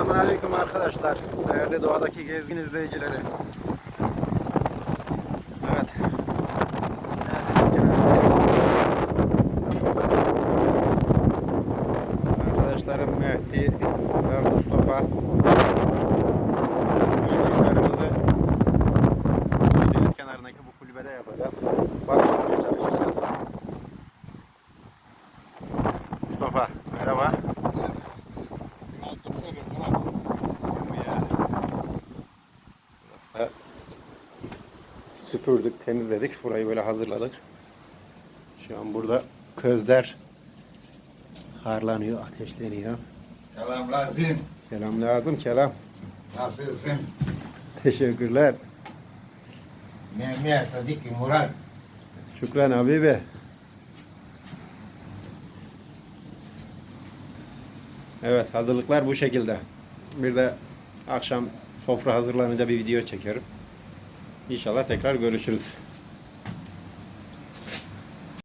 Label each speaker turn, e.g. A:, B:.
A: Selamünaleyküm arkadaşlar. Değerli doğadaki gezgin izleyicileri. Evet. Deniz kenarındayız. Arkadaşlarım Mehdi ve Mustafa. İftarımızı deniz kenarındaki bu kulübede yapacağız. Balık tutmaya çalışacağız. Mustafa merhaba. Süpürdük, temizledik. Burayı böyle hazırladık. Şu an burada közler harlanıyor, ateşleniyor.
B: Selam lazım.
A: Selam lazım, kelam.
B: Nasılsın?
A: Teşekkürler.
B: Ne Sadık Murat.
A: Şükran Habibi. Evet, hazırlıklar bu şekilde. Bir de akşam sofra hazırlanınca bir video çekerim. İnşallah tekrar görüşürüz.